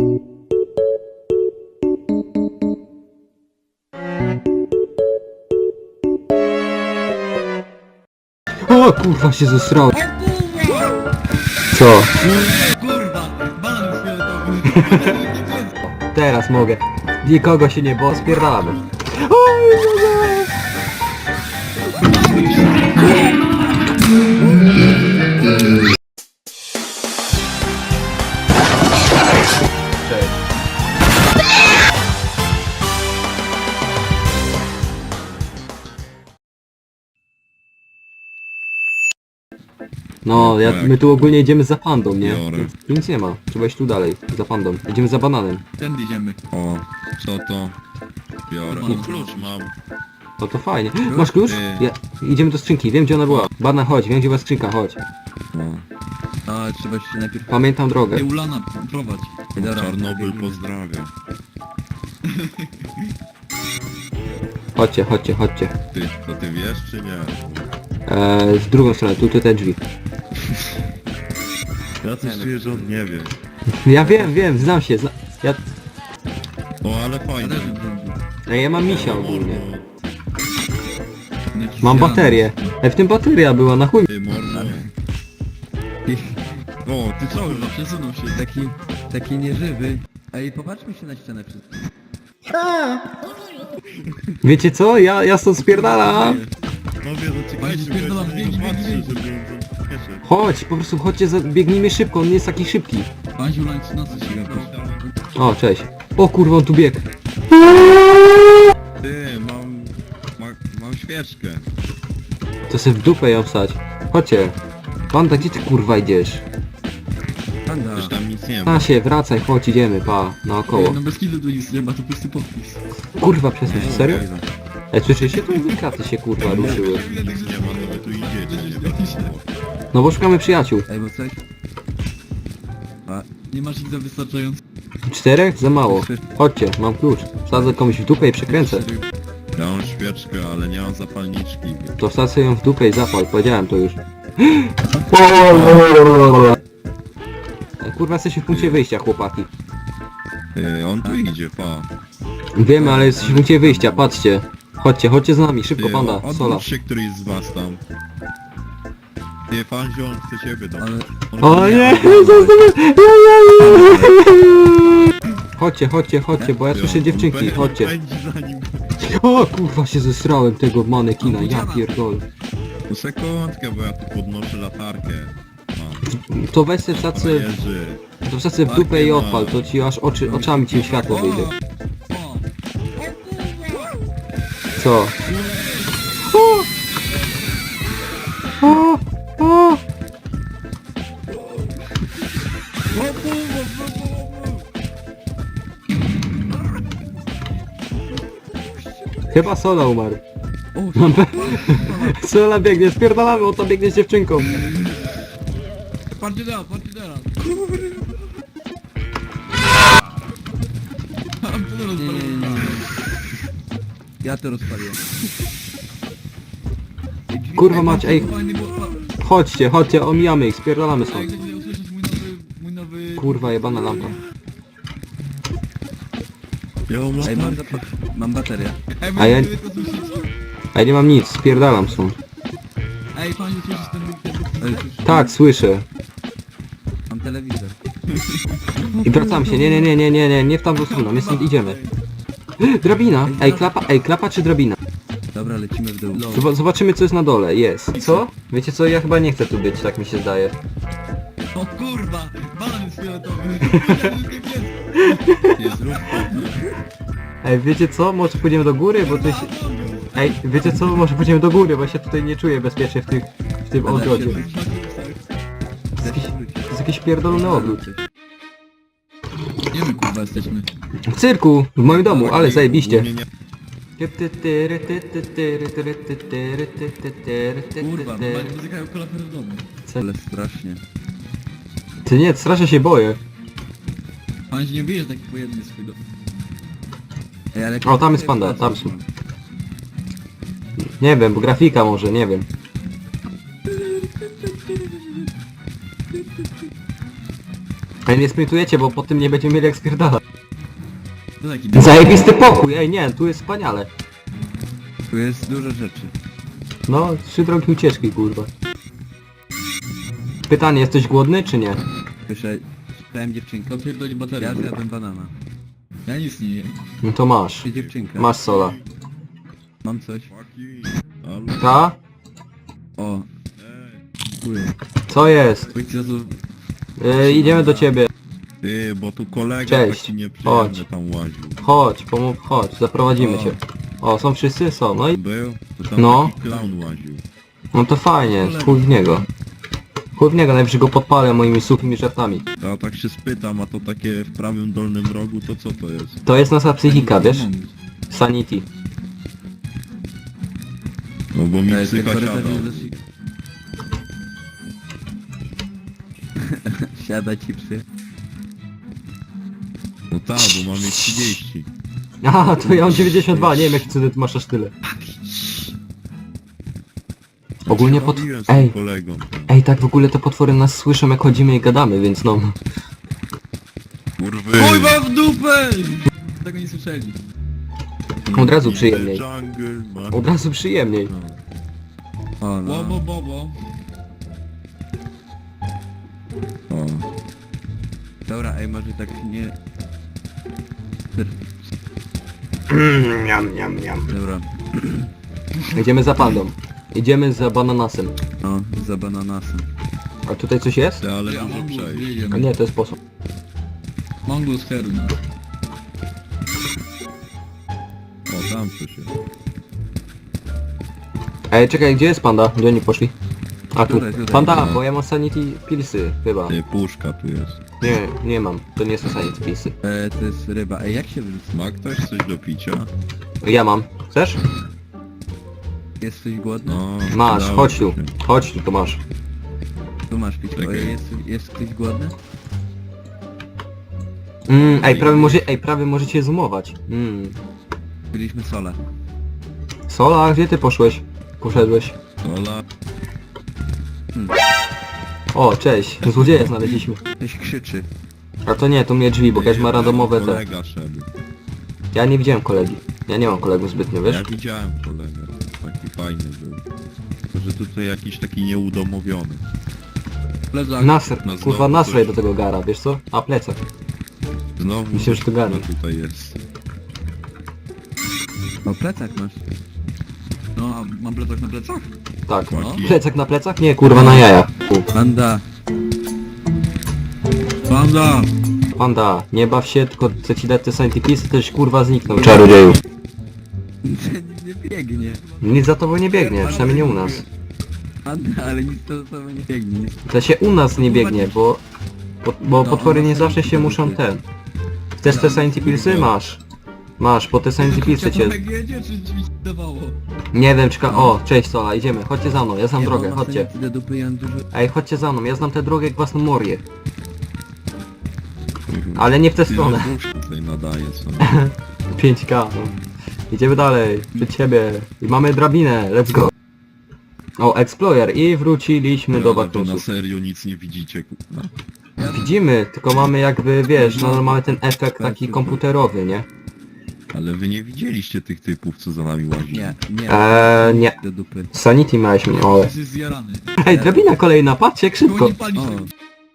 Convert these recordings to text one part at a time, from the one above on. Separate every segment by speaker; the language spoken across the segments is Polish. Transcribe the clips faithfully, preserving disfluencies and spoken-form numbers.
Speaker 1: O kurwa się zesrał. Co?
Speaker 2: Kurwa, banan fioletowy.
Speaker 1: Teraz mogę. Nikogo się nie bo spierdalamy. Cześć. No, ja, my tu ogólnie idziemy za pandą, nie?
Speaker 3: Biorę.
Speaker 1: Tu nic nie ma, trzeba iść tu dalej, za pandą. Idziemy za bananem.
Speaker 2: Tędy idziemy.
Speaker 3: O, co to? Biorę. O, klucz mam.
Speaker 1: No to fajnie. Masz klucz? Ja, idziemy do skrzynki, wiem gdzie ona była. Banan, chodź, wiem gdzie była skrzynka, chodź.
Speaker 3: No.
Speaker 2: A, trzeba się najpierw...
Speaker 1: Pamiętam drogę.
Speaker 2: Ej, Ulana, prowadź. Ej, dobra,
Speaker 3: Czarnobyl
Speaker 2: biegniemy.
Speaker 3: pozdrawia.
Speaker 1: Chodźcie, chodźcie, chodźcie.
Speaker 3: Ty, to ty wiesz czy nie?
Speaker 1: Eee, z drugą stronę, tu, tu te drzwi.
Speaker 3: Ja coś czuję, że on nie wie.
Speaker 1: Ja wiem, wiem, znam się, zna... Ja...
Speaker 3: O, ale
Speaker 2: Ja
Speaker 3: fajnie.
Speaker 2: też bym zrobił.
Speaker 1: Ej, ja mam misia ogólnie.
Speaker 2: Jakiś
Speaker 1: Mam
Speaker 2: zielony.
Speaker 1: baterię. Ej, w tym bateria była, na chuj.
Speaker 3: Ty, mordo. O, ty co?
Speaker 2: Kurwa, przesunął się. Taki, taki nieżywy. Ej, popatrzmy się na ścianę wszystko.
Speaker 1: Wiecie co? Ja, ja stąd spierdalam.
Speaker 3: No wie, no czekajcie, bo
Speaker 2: Spierdolam,
Speaker 3: ja
Speaker 2: biegnie,
Speaker 3: nie patrzę,
Speaker 2: biegnie.
Speaker 3: żeby on tam śpieszy.
Speaker 1: Chodź, po prostu chodźcie, za... biegnijmy szybko, on nie jest taki szybki.
Speaker 2: Paziu, na na co się gapisz?
Speaker 1: O, cześć. O kurwa, on tu biegł.
Speaker 3: Ty, mam... Ma, mam świeczkę.
Speaker 1: To sobie w dupę ją wstać. Chodźcie. Panda, gdzie ty kurwa idziesz?
Speaker 2: Panda.
Speaker 3: Też tam nic nie ma.
Speaker 1: A się, wracaj, chodź, idziemy, pa, naokoło.
Speaker 2: Ej, no bez kilu tu nic nie ma, to pusty podpis.
Speaker 1: Kurwa, przestań,
Speaker 3: No,
Speaker 1: serio?
Speaker 3: okej,
Speaker 1: Ej, słyszycie? Tu dwie kraty się kurwa ruszyły.
Speaker 3: no. Nic nie ma, no wy tu idziecie, nie wiadomo.
Speaker 1: No bo szukamy przyjaciół.
Speaker 2: Ej, bo coś... A, nie masz ich za wystarczająco.
Speaker 1: Czterech? Za mało. Chodźcie, mam klucz. Wsadzę komuś w dupę i przekręcę.
Speaker 3: Ja mam świeczkę, ale nie mam zapalniczki.
Speaker 1: To wsadzę ją w dupę i zapal, powiedziałem to już. Ej, kurwa, jesteśmy w punkcie wyjścia, chłopaki.
Speaker 3: Ty, on tu idzie, pa.
Speaker 1: Wiemy, ale jesteśmy w punkcie wyjścia, patrzcie. Chodźcie, chodźcie z nami, szybko,
Speaker 3: Ty,
Speaker 1: panda,
Speaker 3: o-
Speaker 1: sola.
Speaker 3: odwróć się któryś z was tam. Ty, Fanzio, on chce ciebie tam.
Speaker 2: Ale...
Speaker 3: On
Speaker 1: O nie!
Speaker 3: on-
Speaker 1: Chodźcie, chodźcie, chodźcie, bo ja słyszę
Speaker 3: on
Speaker 1: dziewczynki,
Speaker 3: pędzi-
Speaker 1: chodźcie.
Speaker 3: pędzi za nim.
Speaker 1: O kurwa, się zesrałem tego manekina, ja pierdolę.
Speaker 3: No sekundkę, bo ja tu podnoszę latarkę. Mam.
Speaker 1: To weź se wsadzę,
Speaker 3: Jerzy.
Speaker 1: to wsadzę w dupę i odpal, to ci aż oczy, oczami ci światło wyjdzie.
Speaker 2: O!
Speaker 1: Co? O! O! O! Chyba Sola umarł.
Speaker 2: O,
Speaker 1: Mam pe... Sola biegnie, spierdalamy, on tam biegnie z dziewczynką.
Speaker 2: Patrzcie teraz, patrzcie teraz. Nie, nie, nie, nie. Ja to rozpaliłem.
Speaker 1: Kurwa mać, ej,
Speaker 2: Fajny, bo...
Speaker 1: chodźcie, chodźcie, omijamy ich, spierdalamy
Speaker 2: Ej,
Speaker 1: stąd.
Speaker 2: gdyby nie usłyszeć mój nowy... mój nowy...
Speaker 1: Kurwa, jebana lampa.
Speaker 3: Ja mam
Speaker 2: Ej, mam,
Speaker 3: latarkę.
Speaker 2: zapa- mam baterię. Ej,
Speaker 1: A ja-
Speaker 2: wy to słyszycie?
Speaker 1: A ja nie mam nic, spierdalam stąd.
Speaker 2: Ej, panie, słyszysz ten... ten... ten...
Speaker 1: Tak, słyszę.
Speaker 2: Mam telewizor.
Speaker 1: I wracam się, nie, nie, nie, nie, nie, nie, nie w tamtą stronę, my stąd idziemy. Drabina! Ej, klapa, ej, klapa czy drabina?
Speaker 2: Dobra, lecimy w dół.
Speaker 1: Zob- Zobaczymy co jest na dole, jest. Co? Wiecie co, ja chyba nie chcę tu być, tak mi się zdaje.
Speaker 2: O kurwa! Banan jest fioletowy!
Speaker 3: Nie zrób
Speaker 1: Ej, wiecie co, może pójdziemy do góry, bo to się... Ej, wiecie co, może pójdziemy do góry, bo się tutaj nie czuję bezpiecznie w, tych, w tym ogrodzie. To jest jakiś, to jest jakiś pierdolony ogród.
Speaker 2: Nie my kurwa jesteśmy.
Speaker 1: W cyrku, w moim domu, ale zajebiście.
Speaker 3: Ogólnie nie-
Speaker 2: Kurwa, bo muzyka jak kolafer w domu.
Speaker 1: Co?
Speaker 2: Ale strasznie.
Speaker 1: Ty nie, strasznie się boję.
Speaker 2: Pan się nie wyjeżdża taki pojemny swój dom. Ej, ale...
Speaker 1: O, tam jest panda, tam są. Nie wiem, bo grafika może, nie wiem. Ale nie sprintujecie, bo po tym nie będziemy mieli jak spierdalać.
Speaker 2: To taki
Speaker 1: Zajebisty pokój, ej nie, tu jest wspaniale.
Speaker 2: Tu jest dużo rzeczy.
Speaker 1: No, trzy drogi ucieczki, kurwa. Pytanie, jesteś głodny czy nie?
Speaker 2: Słyszę, czytałem dziewczynkę. Opierdoli baterię. Ja zjadłem banana. Ja nic nie jem.
Speaker 1: No to masz.
Speaker 2: Ty dziewczynka.
Speaker 1: Masz sola.
Speaker 2: Mam coś.
Speaker 3: Chłopaki. Halo?
Speaker 1: Ta?
Speaker 2: O,
Speaker 3: Ej.
Speaker 2: dziękuję.
Speaker 1: Co jest?
Speaker 2: Oj, co tu...
Speaker 1: Yy, idziemy do ciebie.
Speaker 3: Ty, bo tu kolega
Speaker 1: Cześć.
Speaker 3: taki nieprzyjemny
Speaker 1: Chodź.
Speaker 3: tam łaził.
Speaker 1: Chodź, pomów, chodź, zaprowadzimy
Speaker 3: O.
Speaker 1: cię. O, są wszyscy? Są, no i...
Speaker 3: Był? To tam
Speaker 1: No.
Speaker 3: taki clown łaził.
Speaker 1: No to fajnie, chuj w niego. Chuj w niego, najwyżej go podpalę moimi suchymi żartami.
Speaker 3: Ja tak się spytam, a to takie w prawym dolnym rogu, to co to jest?
Speaker 1: To jest nasza psychika, wiesz? Sanity.
Speaker 3: No bo mi
Speaker 2: Ej,
Speaker 3: psycha
Speaker 2: ten
Speaker 3: siada.
Speaker 2: korytarz jest dosyć- Siada ci psy.
Speaker 3: No tak, bo mamy trzydzieści.
Speaker 1: Aha, to ja mam dziewięćdziesiąt dwa, nie wiem jaki cudem ty masz aż tyle. Ogólnie pot...
Speaker 3: Robiłem z tym
Speaker 1: Ej,
Speaker 3: kolegą.
Speaker 1: ej, tak w ogóle te potwory nas słyszą jak chodzimy i gadamy, więc no...
Speaker 3: Kurwy!
Speaker 2: Oj, mam w dupę! Tego nie słyszeli.
Speaker 1: Od razu
Speaker 3: In the
Speaker 1: przyjemniej.
Speaker 3: jungle, man.
Speaker 1: Od razu przyjemniej.
Speaker 2: O, no. Bobo, bobo.
Speaker 3: O.
Speaker 2: Dobra, ej, może tak nie...
Speaker 1: Miam, miam, miam.
Speaker 2: Dobra,
Speaker 1: Idziemy za pandą. Idziemy za bananasem.
Speaker 2: no, za bananasem.
Speaker 1: A tutaj coś jest?
Speaker 3: Ty, ale dużo przejść.
Speaker 1: A nie, to jest sposób.
Speaker 2: Mongus Herum.
Speaker 3: O, tam coś jest.
Speaker 1: Ej, czekaj, gdzie jest panda? Gdzie oni poszli? A tu.
Speaker 2: Tutaj, tutaj.
Speaker 1: Panda,
Speaker 3: No.
Speaker 1: bo ja mam sanity pilsy, chyba.
Speaker 3: Ty, puszka tu jest.
Speaker 1: Nie, nie mam. To nie są sanity pilsy.
Speaker 2: E, to jest ryba. Ej, jak się wyrzuca?
Speaker 3: Ma ktoś coś do picia?
Speaker 1: Ja mam. Chcesz?
Speaker 2: Jesteś głodny?
Speaker 3: No,
Speaker 1: Masz,
Speaker 3: przydało
Speaker 1: chodź tu.
Speaker 3: się.
Speaker 1: Chodź tu, to masz.
Speaker 2: Tu masz pić.
Speaker 3: Czekaj.
Speaker 2: Ej, jest, jest ktoś głodny?
Speaker 1: Mm, ej, prawie może, ej, prawie możecie zoomować. Mm.
Speaker 2: Byliśmy sole.
Speaker 1: Sola, gdzie ty poszłeś? Poszedłeś.
Speaker 3: Ola,
Speaker 1: O, cześć. Złodzieja znaleźliśmy.
Speaker 2: Ktoś krzyczy.
Speaker 1: A to nie, to mnie drzwi, bo każdy ma randomowe te.
Speaker 3: kolega szedł.
Speaker 1: Ja nie widziałem kolegi. Ja nie mam kolegów zbytnio, wiesz?
Speaker 3: Ja widziałem kolegę. Taki fajny był. Tylko, że tutaj jakiś taki nieudomowiony.
Speaker 2: Plecak.
Speaker 1: Nasr,
Speaker 3: No
Speaker 1: kurwa
Speaker 3: znowu
Speaker 1: nasraj
Speaker 3: coś.
Speaker 1: do tego gara, wiesz co? A, plecak.
Speaker 3: Znowu
Speaker 1: Myślę, że to
Speaker 3: kurwa,
Speaker 1: garnek.
Speaker 3: tutaj jest.
Speaker 2: O, plecak masz. No, a mam plecak na plecach?
Speaker 1: Tak.
Speaker 3: Chłopaki.
Speaker 1: Plecak na plecach? Nie, kurwa na jaja. U.
Speaker 2: Panda. Panda!
Speaker 1: Panda, nie baw się, tylko chcę ci dać te sanity pilsy, też kurwa zniknął. Czarodzieju.
Speaker 2: Nic nie biegnie.
Speaker 1: Nic za tobą nie biegnie, przynajmniej nie u nas.
Speaker 2: Panda, ale nic to za tobą nie biegnie.
Speaker 1: To się u nas nie biegnie, bo... Bo, bo
Speaker 2: No,
Speaker 1: potwory
Speaker 2: u nas
Speaker 1: nie zawsze
Speaker 2: nie
Speaker 1: się muszą
Speaker 2: biegnie.
Speaker 1: ten... Chcesz te sanity pilsy? Masz. Masz, bo te sanity pilsy cię...
Speaker 2: jedzie, czy drzwi się dawało?
Speaker 1: Nie wiem, czeka... O, cześć Sola, idziemy, chodźcie za mną, ja znam drogę, chodźcie.
Speaker 2: Do dupy, ja mam dużo...
Speaker 1: Ej, chodźcie za mną, ja znam tę drogę jak własną morię. Ale nie w tę
Speaker 3: Ty,
Speaker 1: stronę.
Speaker 3: no, dusz tutaj nadaje co?
Speaker 1: pięć K, no. Idziemy dalej, przed ciebie. I mamy drabinę, let's go. O, Explorer i wróciliśmy do
Speaker 3: Ale wy na
Speaker 1: Baktusów.
Speaker 3: serio nic nie widzicie, kurwa.
Speaker 1: Widzimy, tylko mamy jakby, wiesz, no mamy ten efekt
Speaker 2: Tak,
Speaker 1: taki komputerowy, nie?
Speaker 3: Ale wy nie widzieliście tych typów, co za nami łazili.
Speaker 2: Nie, nie.
Speaker 1: Eee, nie.
Speaker 2: Do dupy.
Speaker 1: Sanity miałeś mi, o.
Speaker 2: Jesteś zjarany.
Speaker 1: Ej, drabina kolejna, patrzcie jak szybko.
Speaker 2: Nie palisz
Speaker 3: O.
Speaker 2: tego.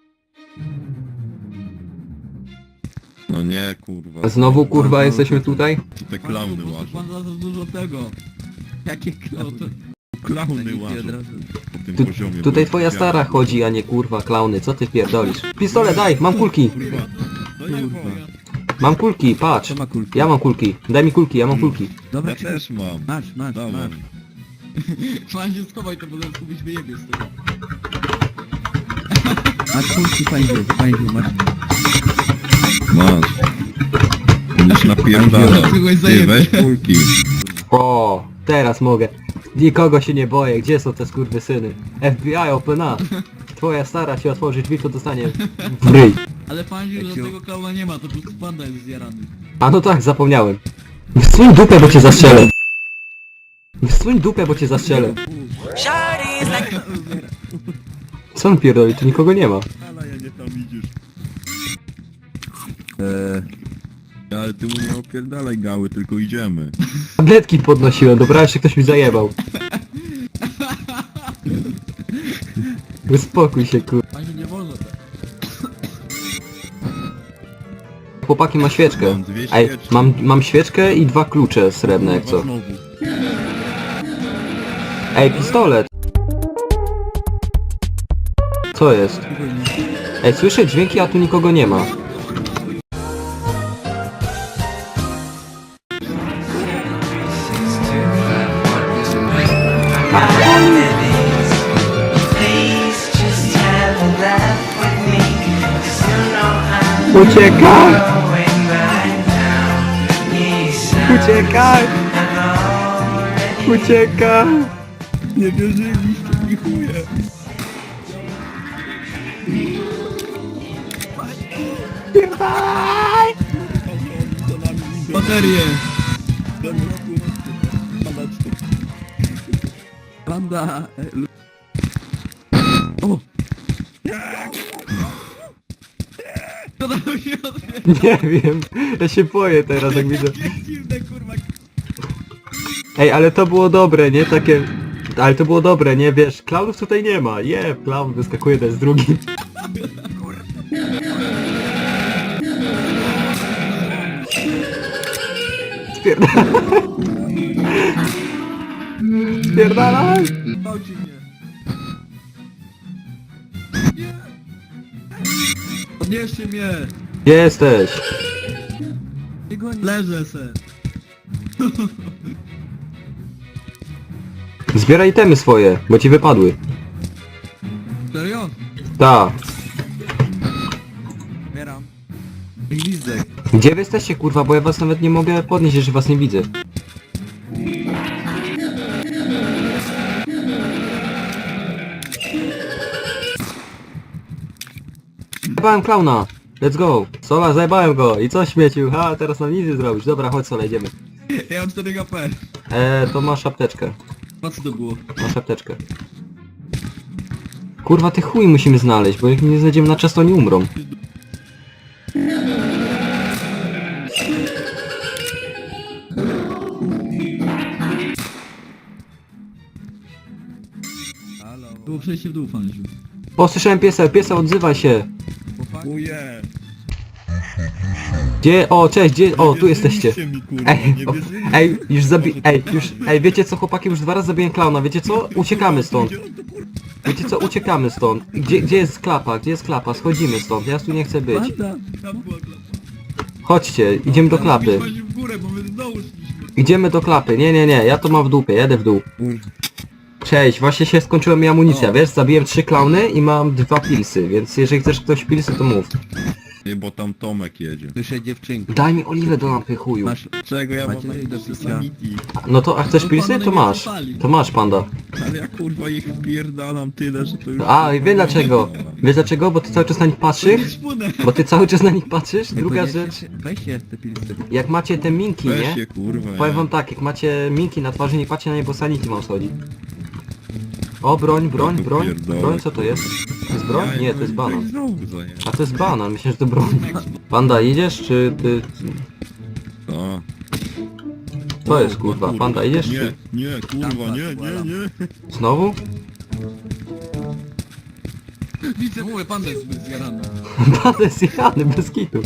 Speaker 3: No nie, kurwa.
Speaker 1: Znowu kurwa jesteśmy tutaj?
Speaker 3: Tu te klauny
Speaker 2: Pan
Speaker 3: łażą.
Speaker 2: za dużo tego. Jakie klauny?
Speaker 3: Klauny
Speaker 2: Od
Speaker 3: łażą
Speaker 2: razu.
Speaker 3: po tym
Speaker 1: Tu,
Speaker 3: poziomie.
Speaker 1: tutaj
Speaker 3: bo
Speaker 1: twoja
Speaker 3: widziałem.
Speaker 1: stara chodzi, a nie kurwa klauny, co ty pierdolisz? Pistolet daj, mam kulki.
Speaker 3: Kurwa. No nie,
Speaker 2: Kurwa.
Speaker 3: kurwa.
Speaker 1: Mam kulki, patrz.
Speaker 2: Co ma kulki?
Speaker 1: Ja mam kulki, daj mi kulki, ja mam kulki.
Speaker 2: Dobra,
Speaker 3: Ja
Speaker 2: czekaj.
Speaker 3: też mam.
Speaker 2: Masz, masz,
Speaker 3: Dawaj.
Speaker 2: masz. Pan się schowaj, to bo zaraz kupić wyjebie z tego. Masz kulki, fajnie, fajnie, masz.
Speaker 3: Masz. Będziesz napierdalał. Ty, weź kulki.
Speaker 1: O, teraz mogę. Nikogo się nie boję, gdzie są te skurwysyny? F B I, open up. Twoja stara ci otworzy drzwi, to dostanie w ryj.
Speaker 2: Ale pan się, że
Speaker 3: Jakiego-
Speaker 2: tego klauna nie ma, to po prostu panda jest zjarany.
Speaker 1: A no tak, zapomniałem. Wsuń dupę, bo cię zastrzelę. Wsuń dupę, bo cię zastrzelę. Co on pierdoli, tu nikogo nie ma.
Speaker 3: Ale ja nie tam idziesz. Eee... Ale ty mu nie opierdalaj gały, tylko idziemy.
Speaker 1: Tabletki podnosiłem, dobra, jeszcze ktoś mi zajebał. Uspokój się, kur...
Speaker 2: Pani nie wolno tak.
Speaker 1: Chłopaki ma świeczkę.
Speaker 3: Mam dwie
Speaker 1: Ej,
Speaker 3: świeczki.
Speaker 1: mam, mam świeczkę i dwa klucze srebrne, jak co.
Speaker 3: Znowu.
Speaker 1: Ej, pistolet! Co jest? Ej, słyszę dźwięki, a tu nikogo nie ma. Uciekaj! Uciekaj! Uciekaj!
Speaker 3: Nie wierzyliście mi chuje.
Speaker 2: Baterie! Panda! e, lu- O! Co tam się odbie-
Speaker 1: Nie wiem, ja się boję teraz jak widzę.
Speaker 2: Jakie dziwne kurwa.
Speaker 1: Ej, ale to było dobre, nie? Takie... Ale to było dobre, nie? Wiesz, klaunów tutaj nie ma. Je, klaun wyskakuje jeden z drugim. Spierdalaj! Spierdalaj!
Speaker 2: Gwałci mnie. Nie! Podnieście mnie!
Speaker 1: Gdzie jesteś?
Speaker 2: Nie goni. Leżę se.
Speaker 1: Zbieraj itemy swoje, bo ci wypadły.
Speaker 2: Serio?
Speaker 1: Ta.
Speaker 2: Zbieram. Gwizdek.
Speaker 1: Gdzie wy jesteście, kurwa, bo ja was nawet nie mogę podnieść, jeżeli was nie widzę. Zajebałem klauna! Let's go! Sola, zajebałem go! I co śmiecił? Ha, teraz nam nic nie zrobisz. Dobra, chodź Sola, idziemy.
Speaker 2: Ja mam cztery H P.
Speaker 1: Eee, to masz apteczkę.
Speaker 2: Po co to było?
Speaker 1: Masz apteczkę. Kurwa, ty chuj musimy znaleźć, bo jak nie znajdziemy na czas, to oni umrą.
Speaker 2: Halo. Było przejście w dół, fanziu.
Speaker 1: O, słyszałem piesa, piesa, odzywaj się!
Speaker 3: Chuje.
Speaker 1: Gdzie? O, cześć, gdzie? O, tu jesteście.
Speaker 3: Mi, kurwa,
Speaker 1: Ej,
Speaker 3: nie
Speaker 1: o,
Speaker 3: wierzyliście.
Speaker 1: ej, już zabi... Ej, już... Ej, wiecie co, chłopaki, już dwa razy zabiłem klauna, wiecie co? Uciekamy stąd. Wiecie co, uciekamy stąd. Gdzie, gdzie jest klapa? Gdzie jest klapa? Schodzimy stąd, ja tu nie chcę być.
Speaker 2: Panda! Tam była klapa.
Speaker 1: Chodźcie, idziemy do klapy.
Speaker 2: Fanziu w górę, bo my znowu szliśmy.
Speaker 1: Idziemy do klapy, nie, nie, nie, ja to mam w dupie, jedę w dół. Cześć, właśnie się skończyła mi amunicja,
Speaker 2: O.
Speaker 1: wiesz, zabiłem trzy klauny i mam dwa pilsy, więc jeżeli chcesz ktoś pilsy, to mów.
Speaker 3: Nie, bo tam Tomek jedzie.
Speaker 2: Słyszę dziewczynkę.
Speaker 1: Daj mi oliwę do lampy, chuju.
Speaker 2: Masz...
Speaker 3: Czego ja mam
Speaker 2: Macie
Speaker 3: na
Speaker 2: do
Speaker 3: do
Speaker 2: picia?
Speaker 3: sanity?
Speaker 1: No to, a chcesz
Speaker 2: No,
Speaker 1: pilsy?
Speaker 2: panda
Speaker 1: To
Speaker 2: nie
Speaker 1: masz.
Speaker 2: zapalił.
Speaker 1: To masz, panda.
Speaker 3: Ale ja kurwa ich wpierdalam tyle, że to już...
Speaker 1: A, i wie dlaczego? Wiesz dlaczego? Bo ty cały czas na nich patrzysz?
Speaker 2: Szpunę.
Speaker 1: Bo ty cały czas na nich patrzysz? Druga rzecz,
Speaker 2: Weźcie te pilsy.
Speaker 1: jak macie te minki,
Speaker 3: Weź
Speaker 1: nie?
Speaker 3: się kurwa.
Speaker 1: Powiem
Speaker 3: ja.
Speaker 1: wam tak, jak macie minki na twarzy, nie patrzcie na nie, bo sanity wam schodzi. O, broń, broń,
Speaker 3: Ja to
Speaker 1: broń,
Speaker 3: pierdolę,
Speaker 1: broń, co to jest? To jest broń?
Speaker 3: Ja
Speaker 1: Nie, to jest
Speaker 3: tak
Speaker 1: banan.
Speaker 3: znowu zajęłem.
Speaker 1: A to jest banan, myślę, że to broń. Panda, idziesz, czy ty...
Speaker 3: A.
Speaker 1: To
Speaker 3: O,
Speaker 1: jest, kurwa, panda, idziesz,
Speaker 3: Nie,
Speaker 1: czy...
Speaker 3: nie, kurwa, nie, nie, nie.
Speaker 1: Znowu?
Speaker 2: Widzę, mówię, panda jest zbyt zjarany.
Speaker 1: Panda jest jechany, bez kitu.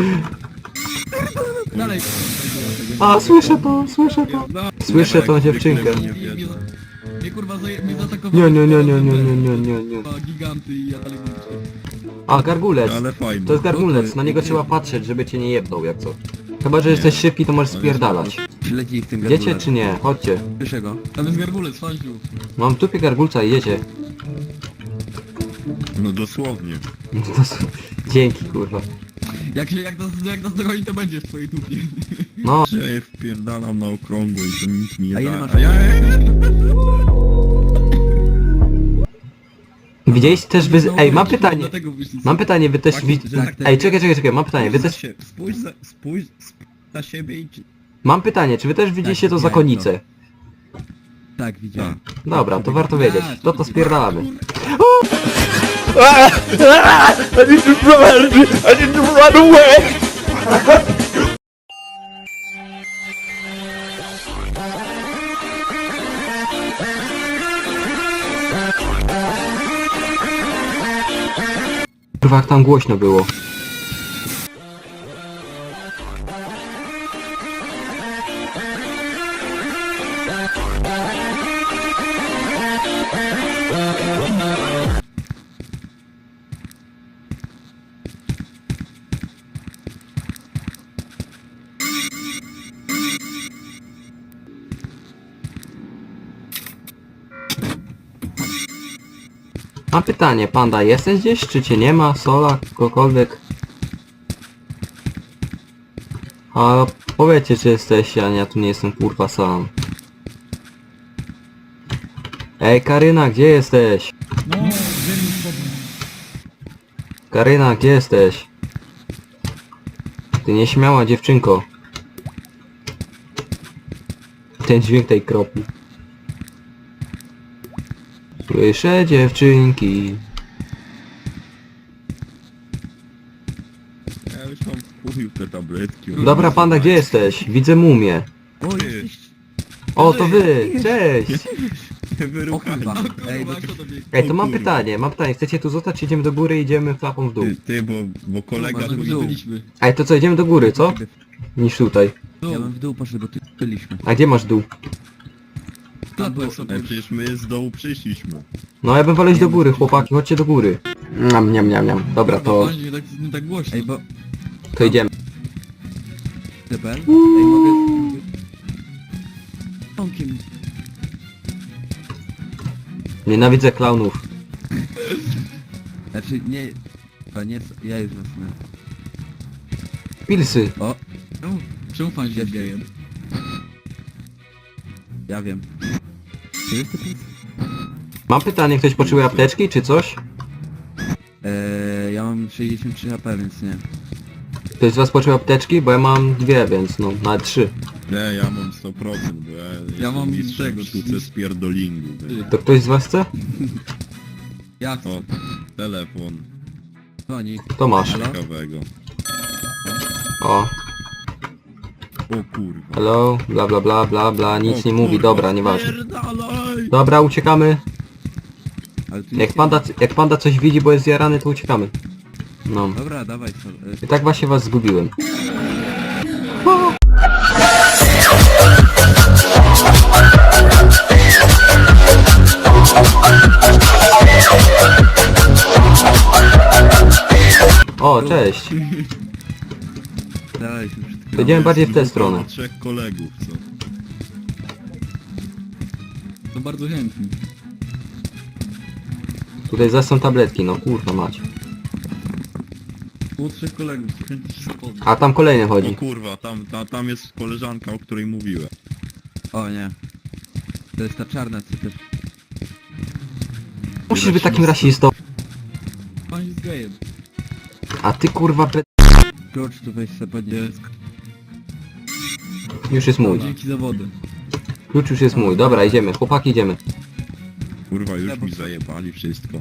Speaker 2: Dalej.
Speaker 1: A, słyszę to, słyszę to. Słyszę tą dziewczynkę.
Speaker 2: I mnie, mnie kurwa zaje, mnie zaatakowały.
Speaker 1: Nie, nie, nie, nie, nie, nie, nie, nie, nie.
Speaker 2: Kurwa, giganty i ja dalej mówię.
Speaker 1: A, gargulec.
Speaker 3: Ale fajnie.
Speaker 1: To jest gargulec, na niego trzeba patrzeć, żeby cię nie jebnął, jak co. Chyba, że jesteś szybki, to możesz spierdalać.
Speaker 2: Śledzi w tym
Speaker 1: Wiecie czy nie? Chodźcie.
Speaker 2: Słyszę go. Tam jest garbulec, fanziu.
Speaker 1: Mam w dupie gargulca i jedzie.
Speaker 3: No dosłownie.
Speaker 1: To s- Dzięki, kurwa.
Speaker 2: Jak się, jak nas, jak nas dogoni, to będzie w twojej dupie.
Speaker 1: No,
Speaker 3: Ja je wpierdalam na okrągło i to nic mi nie
Speaker 2: A ile
Speaker 3: da.
Speaker 2: masz-
Speaker 3: A ja...
Speaker 1: widzieliście też wy... Ej, mam
Speaker 2: No,
Speaker 1: pytanie.
Speaker 2: dlatego wyszli
Speaker 1: Mam pytanie, wy też... wi- Ej, czekaj, czekaj, czekaj, mam pytanie, wy
Speaker 3: Spójrz
Speaker 1: też...
Speaker 3: za sie- Spójrz za, spójrz spójrz za siebie i...
Speaker 1: Mam pytanie, czy wy też widzieliście to
Speaker 2: widziałem
Speaker 1: zakonnicę?
Speaker 2: Tak, widziałem.
Speaker 1: Dobra, to warto wiedzieć. To to spierdalamy.
Speaker 4: I need to run! I need to run away!
Speaker 1: Kurwa, jak tam głośno było. Mam pytanie, panda, jesteś gdzieś, czy cię nie ma? Sola, kogokolwiek? A powiedzcie, czy jesteście, a ja tu nie jestem kurwa sam. Ej, Karyna, gdzie jesteś?
Speaker 2: No, ziemi spodnie.
Speaker 1: Karyna, gdzie jesteś? Ty nieśmiała dziewczynko. Ten dźwięk tej kropli. Słyszę dziewczynki.
Speaker 3: Ja już mam w chuju te tabletki.
Speaker 1: Dobra, panda, gdzie jesteś? Widzę mumię.
Speaker 2: O,
Speaker 3: Ty.
Speaker 2: jesteś...
Speaker 1: O, to wy! Cześć!
Speaker 3: Nie
Speaker 2: O
Speaker 3: wyruchaj.
Speaker 2: kurwa. Ej,
Speaker 3: Ej,
Speaker 2: bo...
Speaker 3: bo to...
Speaker 1: Ej, to
Speaker 3: O
Speaker 1: mam
Speaker 3: kurwa.
Speaker 1: pytanie, mam pytanie. Chcecie tu zostać, czy idziemy do góry i idziemy klapą w dół?
Speaker 3: Ty, ty, bo, bo kolega
Speaker 2: Kurwa,
Speaker 3: tu
Speaker 2: w
Speaker 3: idzie.
Speaker 2: dół. Byliśmy.
Speaker 1: Ej, to co, idziemy do góry, co? Niż tutaj.
Speaker 2: Ja bym w dół poszedł, bo tu byliśmy.
Speaker 1: A gdzie masz dół?
Speaker 2: Tam było sobie.
Speaker 3: Ej, przecież my z dołu przyszliśmy.
Speaker 1: No ja bym wolał iść do góry, chłopaki, chodźcie do góry. Niam, niam, niam, niam. Dobra, to,
Speaker 2: Nie tak, nie tak głośno. Ej, bo...
Speaker 1: to idziemy.
Speaker 2: Debel? Ej, mogę... Tomkiem.
Speaker 1: Nienawidzę klaunów.
Speaker 2: Znaczy, nie... To nie... Ja już zasnę.
Speaker 1: Pilsy.
Speaker 2: O! Czemu, czemu pan się gejem? Ja wiem. Czy jest to pis?
Speaker 1: Mam pytanie, ktoś potrzebuje apteczki, czy coś?
Speaker 2: Eee, ja mam sześćdziesiąt trzy H P, więc nie.
Speaker 1: Ktoś z was potrzebuje apteczki? Bo ja mam dwie, więc no, nawet trzy.
Speaker 3: Nie, ja mam sto procent, bo ja, jestem
Speaker 2: mam
Speaker 3: mistrzem
Speaker 2: tego,
Speaker 3: w sztuce spierdolingu.
Speaker 1: To ktoś z was chce?
Speaker 2: Ja chcę.
Speaker 3: O, telefon.
Speaker 2: Dzwoni.
Speaker 1: To masz.
Speaker 2: Halo?
Speaker 3: Ciekawego.
Speaker 1: O,
Speaker 3: O kurwa.
Speaker 1: hello, bla bla bla bla bla, nic
Speaker 3: O
Speaker 1: nie mówi,
Speaker 3: kurwa,
Speaker 1: dobra, nieważne.
Speaker 3: spierdalaj!
Speaker 1: Dobra, uciekamy.
Speaker 2: Ale tu
Speaker 1: Jak
Speaker 2: nic
Speaker 1: panda, jak panda coś widzi, bo jest zjarany, to uciekamy. No.
Speaker 2: nie... Dobra, dawaj sobie.
Speaker 1: I tak właśnie was zgubiłem. O, cześć.
Speaker 2: Dawaj się przed
Speaker 1: To idziemy bardziej w tę stronę.
Speaker 3: Trzech kolegów, co?
Speaker 2: To bardzo chętnie.
Speaker 1: Tutaj zaś są tabletki, no kurwa mać.
Speaker 2: Było trzech kolegów, chętnie się spotkać.
Speaker 1: A tam kolejny
Speaker 3: O
Speaker 1: chodzi.
Speaker 3: kurwa, tam, ta, tam jest koleżanka, o której mówiłem.
Speaker 2: O nie. To jest ta czarna, co też...
Speaker 1: Musisz być takim rasistą.
Speaker 2: Pan jest gejem.
Speaker 1: A ty kurwa pe...
Speaker 2: George, tu weź sobie podnieś.
Speaker 1: Już jest mój.
Speaker 2: Dzięki za wodę.
Speaker 1: Klucz już jest mój. Dobra, idziemy. Chłopaki, idziemy.
Speaker 3: Kurwa, już
Speaker 2: Ja, bo-
Speaker 3: mi zajebali wszystko.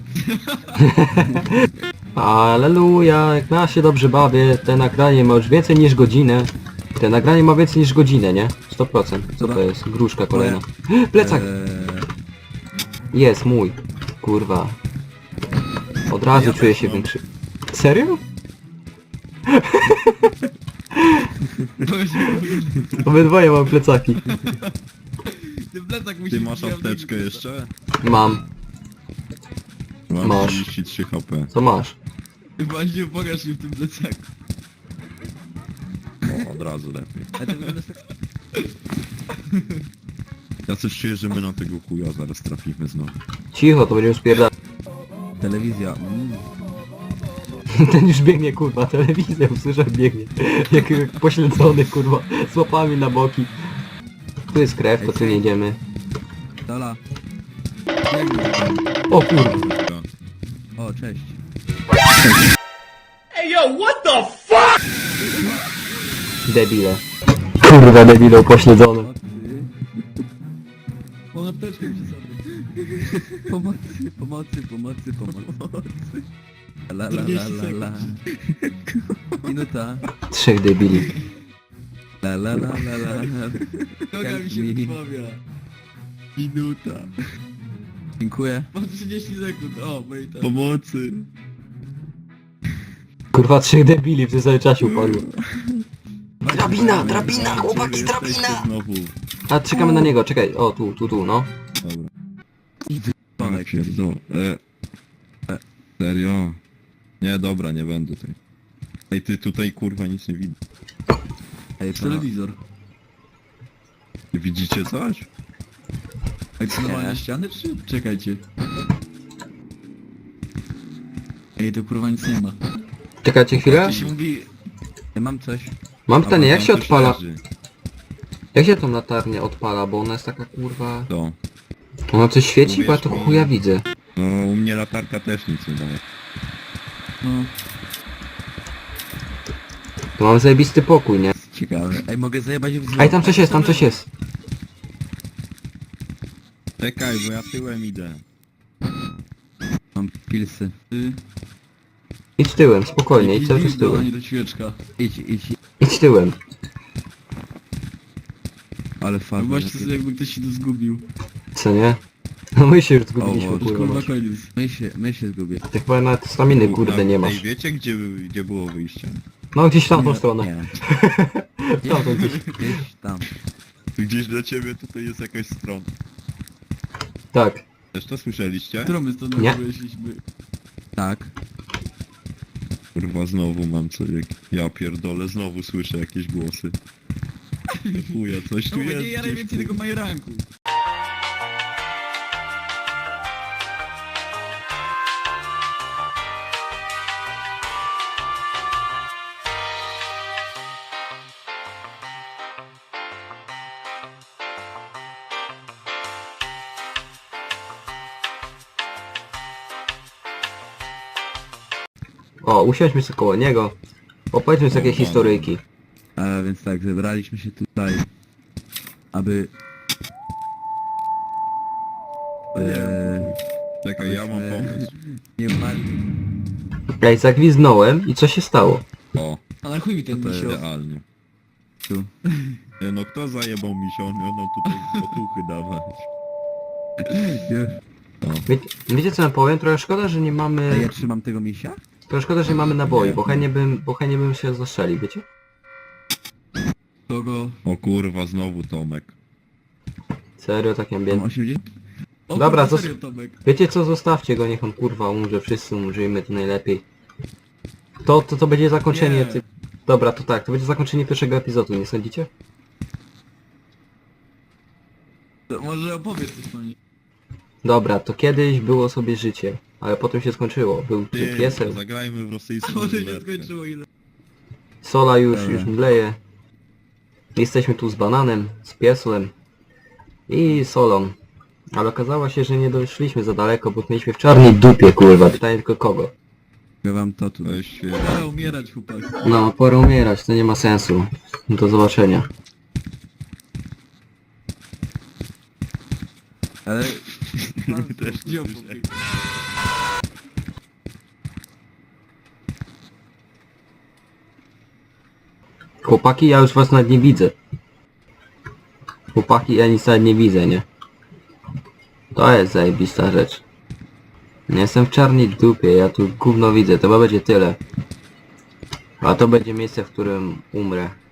Speaker 1: Aleluja, jak ja się dobrze bawię. Te nagranie ma już więcej niż godzinę. Te nagranie ma więcej niż godzinę, nie? sto procent. Co to jest? Gruszka kolejna. Plecak!
Speaker 2: Eee,
Speaker 1: Jest mój. Kurwa. Od razu
Speaker 3: Ja
Speaker 1: czuję
Speaker 3: też
Speaker 1: się
Speaker 3: mam.
Speaker 1: większy. Serio? Obydwoje mam plecaki.
Speaker 2: Ten plecak musi
Speaker 3: Ty
Speaker 2: być
Speaker 3: masz
Speaker 2: jawny.
Speaker 3: apteczkę jeszcze?
Speaker 1: Mam.
Speaker 3: Mam
Speaker 1: Masz.
Speaker 3: trzydzieści trzy H P.
Speaker 1: Co masz?
Speaker 2: Właśnie pokaż mi w tym plecaku.
Speaker 3: O, od razu lepiej.
Speaker 2: A to wygląda tak...
Speaker 3: Ja coś czuję, że my na tego chuja zaraz trafimy znowu.
Speaker 1: Cicho, to będziemy spierdać.
Speaker 2: Telewizja. Mm.
Speaker 1: Ten już biegnie, kurwa, telewizję usłyszę, biegnie. Jak, jak pośledzony, kurwa, z łapami na boki. Tu jest krew, to tu nie idziemy.
Speaker 2: Dola.
Speaker 1: O kurwa.
Speaker 3: Kurwa.
Speaker 2: O, cześć.
Speaker 1: Debile. Kurwa, debile upośledzone.
Speaker 2: Mam apteczkę przy sobie. Pomocy, pomocy, pomocy, pomocy. La la la la la. Minuta.
Speaker 1: Trzech debili.
Speaker 2: La la la la la.
Speaker 4: Noga mi się
Speaker 2: Mi-
Speaker 4: wypławia.
Speaker 3: Minuta.
Speaker 2: Dziękuję.
Speaker 4: Mam trzydzieści sekund. O, moi tam.
Speaker 3: Pomocy.
Speaker 1: Kurwa, trzech debili w tym samym czasie upadło. Drabina, drabina, chłopaki,
Speaker 3: Jesteście
Speaker 1: drabina!
Speaker 3: znowu.
Speaker 1: A, czekamy na niego, czekaj. O, tu, tu, tu, no.
Speaker 3: Dobra.
Speaker 2: Panek.
Speaker 3: Tak, pierdol. E, e, serio? Nie, dobra, nie będę tutaj. Ej, ty tutaj kurwa nic nie widzę.
Speaker 2: Ej, telewizor.
Speaker 3: Widzicie coś?
Speaker 2: Ej, to normalnie ściany czy? Czekajcie. Ej, to kurwa nic nie ma.
Speaker 1: Czekajcie chwilę.
Speaker 2: To się mówi... Ja mam coś.
Speaker 1: Mam pytanie, jak
Speaker 3: tam
Speaker 1: się
Speaker 3: coś
Speaker 1: odpala?
Speaker 3: leży.
Speaker 1: Jak się tą latarnię odpala, bo ona jest taka kurwa...
Speaker 3: To.
Speaker 1: Ona coś świeci, bo ja to
Speaker 3: Uwierz mi.
Speaker 1: chuja widzę.
Speaker 3: No, u mnie latarka też nic nie daje.
Speaker 2: No,
Speaker 1: To mam zajebisty pokój, nie?
Speaker 2: ciekawe. Ej, mogę zajebać w
Speaker 1: Ej, tam coś jest, tam coś jest.
Speaker 3: Czekaj, bo ja tyłem idę.
Speaker 2: Mam pilsy. Ty...
Speaker 1: Idź tyłem, spokojnie, idź cały czas
Speaker 2: do,
Speaker 1: tyłem.
Speaker 2: nie do świeczka. Idź, idź.
Speaker 1: Idź tyłem.
Speaker 2: Ale fajnie. Właśnie to jakby ktoś się tu zgubił.
Speaker 1: Co nie? No my się już
Speaker 2: O,
Speaker 1: zgubiliśmy,
Speaker 2: już
Speaker 1: kurwa.
Speaker 2: kurwa koniec. My się, my się zgubię.
Speaker 1: Ty chyba nawet staminy, kurde, nie
Speaker 3: Ej,
Speaker 1: masz.
Speaker 3: wiecie gdzie, gdzie było wyjście?
Speaker 1: No gdzieś tam tą
Speaker 2: Nie,
Speaker 1: stronę.
Speaker 2: Nie.
Speaker 1: Tamtą gdzieś.
Speaker 2: Gdzieś tam.
Speaker 3: Gdzieś dla ciebie tutaj jest jakaś strona.
Speaker 1: Tak.
Speaker 3: Też to słyszeliście?
Speaker 2: Którą my stąd
Speaker 1: Nie.
Speaker 2: wyszliśmy? Tak.
Speaker 3: Kurwa, znowu mam coś jak... Ja pierdolę, znowu słyszę jakieś głosy. Chuja, coś tu
Speaker 2: No nie
Speaker 3: jest
Speaker 2: jaraj
Speaker 3: gdzieś,
Speaker 2: więcej tego
Speaker 3: kurwa.
Speaker 2: majeranku.
Speaker 1: O, usiądźmy sobie koło niego. Opowiedzmy sobie jakieś
Speaker 3: O,
Speaker 1: historyjki.
Speaker 2: A więc tak, zebraliśmy się tutaj, aby... Eee,
Speaker 3: Czekaj, ja mam pomysł.
Speaker 2: nie martw.
Speaker 1: Ej, zagwizdnąłem i co się stało?
Speaker 3: O,
Speaker 2: A na chuj mi ten
Speaker 3: to
Speaker 2: misio.
Speaker 3: idealnie.
Speaker 2: Tu.
Speaker 3: Nie, no kto zajebał mi się? On miał nam tutaj otuchy dawać.
Speaker 1: Wie, wiecie co ja powiem? Trochę szkoda, że nie
Speaker 2: A
Speaker 1: mamy...
Speaker 2: ja trzymam tego misia?
Speaker 1: Trochę szkoda, że nie mamy naboi,
Speaker 3: Nie.
Speaker 1: bo chętnie bym, bo chętnie bym się zastrzelił, wiecie?
Speaker 2: Kogo?
Speaker 3: O kurwa, znowu Tomek.
Speaker 1: Serio, tak
Speaker 2: Mam
Speaker 1: ambient.
Speaker 2: osiemdziesiąt? O,
Speaker 1: Dobra,
Speaker 2: kurwa,
Speaker 1: zos-
Speaker 2: serio, Tomek.
Speaker 1: Wiecie co, zostawcie go, niech on kurwa umrze, wszyscy umrzyjmy, to najlepiej. To, to, to będzie zakończenie...
Speaker 2: Nie.
Speaker 1: Ty... Dobra, to tak, to będzie zakończenie pierwszego epizodu, nie sądzicie?
Speaker 2: To może opowiedz coś o niej.
Speaker 1: Dobra, to kiedyś było sobie życie, ale potem się skończyło. Był tu
Speaker 3: Ty,
Speaker 1: piesek,
Speaker 3: zagrajmy w rosyjską
Speaker 2: Może się
Speaker 3: ruletkę.
Speaker 2: skończyło ile?
Speaker 1: Sola już,
Speaker 2: Dobra.
Speaker 1: już mdleje. Jesteśmy tu z bananem, z piesłem i solą. Ale okazało się, że nie doszliśmy za daleko, bo mieliśmy w czarnej dupie, kurwa. Pytanie tylko kogo.
Speaker 2: Ja wam to tu.
Speaker 3: Weź się...
Speaker 2: Pora umierać, chłopak.
Speaker 1: No, pora umierać, to nie ma sensu. Do zobaczenia.
Speaker 2: Ale...
Speaker 3: Też
Speaker 2: Gdzie
Speaker 3: nie
Speaker 2: opowiedz?
Speaker 1: Chłopaki, ja już was nawet nie widzę. Chłopaki, ja nic nawet nie widzę, nie? To jest zajebista rzecz. Nie jestem w czarnej dupie, ja tu gówno widzę, to chyba będzie tyle. A to będzie miejsce, w którym umrę.